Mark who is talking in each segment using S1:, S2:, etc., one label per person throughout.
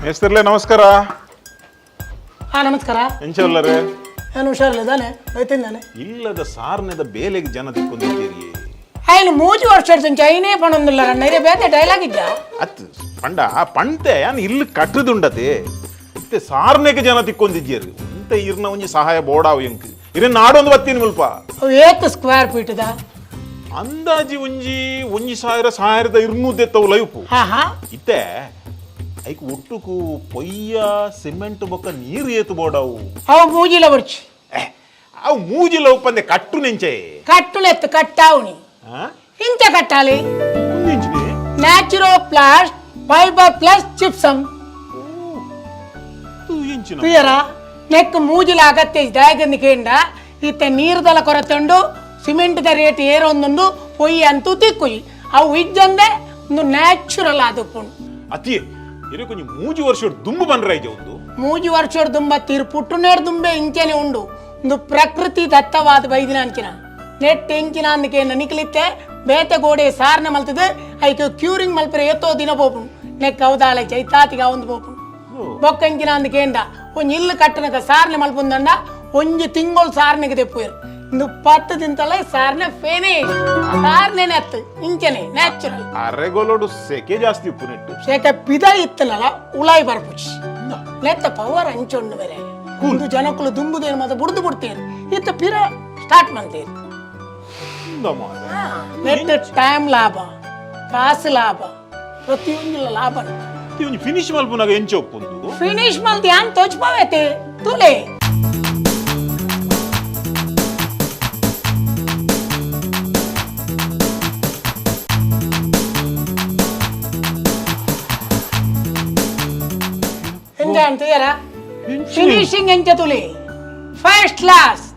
S1: ಮೇಸ್ತಿರ್ಲೆ ನಮಸ್ಕಾರ.
S2: ನಮಸ್ಕಾರ.
S1: ಎಂಚಲ್ಲರೆ
S2: ನಾನು ಹುಷಾರಿಲ್ಲದಾನೆ ಬೈತಿದ್ದಾನೆ
S1: ಇಲ್ಲದ ಸಾರ್ನೆದ ಬೇಲೆಗೆ ಜನ ತಿಕ್ಕೊಂಡಿದ್ದೀರಿ.
S2: ఆయన మూజి వర్షాడు చైనే పనుందిಲ್ಲ ನೈರೆ ಬೇತೆ ಡೈಲಾಗ್ ಇದ್ದ
S1: ಅತ್ ಪಂಡ ಪಂತೆ ಯಾನ್ ಇಲ್ಲಿ ಕಟ್ಟದುಂಡತೆ ಮತ್ತೆ ಸಾರ್ನೆಗೆ ಜನ ತಿಕ್ಕೊಂಡಿದ್ದೀರಿ. ಅಂತ ಇರ್ನ ಒಂಜಿ ಸಹಾಯ ಬೋಡಾವು ಎಂಕ್ ಇರ ನಾಡೊಂದು ಬತ್ತೀನಿ ಮುಲ್ಪ
S2: ಅವು ಏತ್ ಸ್ಕ್ವೇರ್ ಫೀಟ್ ದ
S1: ಅಂದಾಜಿ ಒಂಜಿ ಸಾವಿರದ 200 ಎತ್ತವು ಲೈಫು ಇತ್ತೆ ಐಕ್ ಒಟ್ಟುಕು ಪೊಯ್ಯ ಸಿಮೆಂಟ್ ಬೊಕ್ಕ ನೀರು ಏತು ಬೋಡಾವು
S2: ಅವು ಮೂಜಿಲ ಬರ್ಚಿ
S1: ಅವು ಮೂಜಿಲ ಉಪ್ಪಂದೆ ಕಟ್ಟು ನೆಂಚೆ
S2: కట్టులెత్తు కట్టావుని ఇంత కట్టాలి natural plus fibre plus gypsum పియరా ನೆಕ್ ಮೂಜಿಲ ಅಗತ್ಯ ದಾಯಗಂದಿಕೆಂಡ ಇತ್ತ ನೀರ್ದಲ ಕೊರತೆಂಡು ಸಿಮೆಂಟ್ ದ ರೇಟ್ ಏರೊಂದುಂಡು ಪೊಯ್ಯಿ ಅಂತೂ ತಿಕ್ಕುಯಿ ಅವು ಇಜ್ಜಂದೆ ಒಂದು ನ್ಯಾಚುರಲ್ ಆದುಪ್ಪುಂಡು
S1: ಅತಿ ಇರು ಕೊಂಚ ಮೂಜಿ ವರ್ಷ ದುಂಬು ಬಂದ್ರೈಜೆ ಒಂದು
S2: ಮೂಜಿ ವರ್ಷ ದುಂಬ ತೀರು ಪುಟ್ಟುನೇರ್ ದುಂಬೆ ಇಂಚೆನೆ ಉಂಡು ಒಂದು ಪ್ರಕೃತಿ ದತ್ತವಾದ ಬೈದಿನ ಅಂಚಿನ ನೆಟ್ ಎಂಚಿನ ಅಂದಕ್ಕೆ ನಿಕ್ಲಿತ್ತೆ ಬೇತೆ ಗೋಡೆ ಸಾರ್ನ ಮಲ್ತದೆ ಐಕೆ ಕ್ಯೂರಿಂಗ್ ಮಲ್ಪರೆ ಎತ್ತೋ ದಿನ ಬೋಪುಂಡು ನೆಕ್ ಅವದಾಳೆ ಚೈತಾತಿಗ ಒಂದು ಬೋಪುಂಡು ಬೊಕ್ಕ ಎಂಚಿನ ಅಂದಕ್ಕೆ ಎಂಡ ಒಂಜಿ ಇಲ್ಲು ಕಟ್ಟನಕ ಸಾರ್ನೆ ಮಲ್ಪುಂದಂಡ ಒಂಜಿ ತಿಂಗಳು ಸಾರ್ನೆಗೆ ತೆಪ್ಪುಯರು ಇಂದು 10 ದಿನದಲ್ಲೇ ಸಾರ್ನೆ ಫಿನಿಶ್ ಸಾರ್ನೆ ನೆತ್ತು ಇಂಚನೆ ನ್ಯಾಚುರಲ್
S1: ಅರೆಗೋಲೋಡು ಸೆಕೆ ಜಾಸ್ತಿ ಉಪ್ಪು ನೆಟ್ಟು
S2: ಸೆಕೆ ಪಿದ ಇತ್ತನಲ್ಲ ಉಳಾಯಿ ಬರ್ಪುಚಿ ನೆತ್ತ ಪವರ್ ಅಂಚೊಂಡು ಬೇರೆ ಒಂದು ಜನಕ್ಕಳು ದುಂಬುದೇನು ಮತ್ತೆ ಬುಡ್ದು ಬಿಡ್ತೀರಿ ಇತ್ತ ಪಿರ ಸ್ಟಾರ್ಟ್ ಮಾಡ್ತೀರಿ ನೆಟ್ ಟೈಮ್ ಲಾಭ ಕಾಸು ಲಾಭ ಪ್ರತಿಯೊಂದು ಲಾಭ
S1: ಫಿನಿಶ್ ಮಲ್ಪುನಾಗ ಎಂಚ ಒಪ್ಪುಂದು
S2: ಫಿನಿಶ್ ಮಲ್ತಿ ಯಾನ್ ತೋಚ್ಪಾವೈತೆ ತುಲೆ ಎಂಜ ಅಂತೀಯರ ಫಿನಿಶಿಂಗ್ ಎಂಚ ತುಲೆ ಫಸ್ಟ್ ಕ್ಲಾಸ್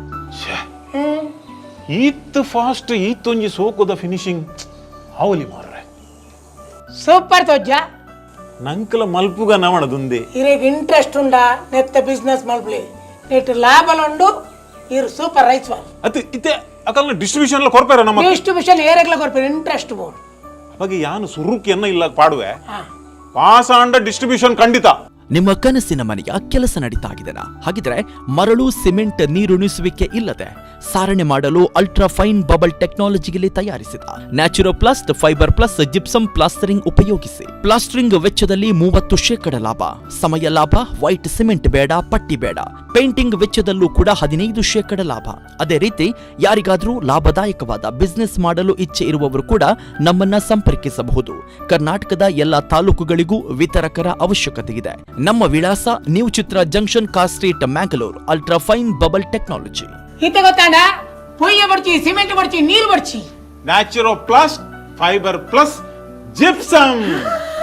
S1: ಈತ್ ಫಾಸ್ಟ್ ಈತೊಂಜಿ ಸೋಕುದ ಫಿನಿಶಿಂಗ್ ಅವಲಿ ಮಾರ್ರೆ
S2: ಸೂಪರ್ ತೋಜ್ಜ
S1: ನಂಕಲ ಮಲ್ಪುಗ ನವಣದುಂದೆ
S2: ಇರೇಗ ಇಂಟ್ರೆಸ್ಟ್ ಉಂಡ ನೆತ್ತ ಬಿಸ್ನೆಸ್ ಮಲ್ಪಲಿ ನೆಟ್ ಲಾಭಲುಂಡು ಇರು ಸೂಪರ್ ರೈಸ್ ವಾಲ್
S1: ಅತಿ ಇತ್ತೆ ಅಕಲ್ನ ಡಿಸ್ಟ್ರಿಬ್ಯೂಷನ್ ಎಲ್ಲ ಕೊರ್ಪೇರ ನಮ್ಮ
S2: ಡಿಸ್ಟ್ರಿಬ್ಯೂಷನ್ ಏರೆಗ್ಲ ಕೊರ್ಪೇರ ಇಂಟ್ರೆಸ್ಟ್ ಬೋರ್ಡ್
S1: ಅವಾಗ ಯಾನು ಸುರುಕಿಯನ್ನ ಇಲ್ಲ ಪಾಡುವೆ ಪಾಸ ಅಂಡ ಡಿಸ್ಟ್ರಿಬ್ಯೂಷನ್ ಖಂಡಿತ.
S3: ನಿಮ್ಮ ಕನಸಿನ ಮನೆಯ ಕೆಲಸ ನಡೀತಾ ಇದೆನಾ? ಹಾಗಿದ್ರೆ ಮರಳು ಸಿಮೆಂಟ್ ನೀರುಣಿಸುವಿಕೆ ಇಲ್ಲದೆ ಸಾರಣೆ ಮಾಡಲು ಅಲ್ಟ್ರಾ ಫೈನ್ ಬಬಲ್ ಟೆಕ್ನಾಲಜಿಯಲ್ಲಿ ತಯಾರಿಸಿದ natural plus fibre plus gypsum plastering ಉಪಯೋಗಿಸಿ ಪ್ಲಾಸ್ಟರಿಂಗ್ ವೆಚ್ಚದಲ್ಲಿ 30% ಲಾಭ, ಸಮಯ ಲಾಭ, ವೈಟ್ ಸಿಮೆಂಟ್ ಬೇಡ, ಪಟ್ಟಿ ಬೇಡ, ಪೇಂಟಿಂಗ್ ವೆಚ್ಚದಲ್ಲೂ ಕೂಡ 15% ಲಾಭ. ಅದೇ ರೀತಿ ಯಾರಿಗಾದ್ರೂ ಲಾಭದಾಯಕವಾದ ಬಿಸ್ನೆಸ್ ಮಾಡಲು ಇಚ್ಛೆ ಇರುವವರು ಕೂಡ ನಮ್ಮನ್ನ ಸಂಪರ್ಕಿಸಬಹುದು. ಕರ್ನಾಟಕದ ಎಲ್ಲಾ ತಾಲೂಕುಗಳಿಗೂ ವಿತರಕರ ಅವಶ್ಯಕತೆ ಇದೆ. ನಮ್ಮ ವಿಳಾಸ new Chitra junction, car street, Mangalore. Ultra fine bubble technology.
S2: ಹಿತ ಗೊತ್ತಾಂಡ ಪೊಯ್ಯ ಬರ್ಚಿ, ಸಿಮೆಂಟ್ ಬರ್ಚಿ, ನೀರು ಬರ್ಚಿ,
S1: natural plus fibre plus gypsum.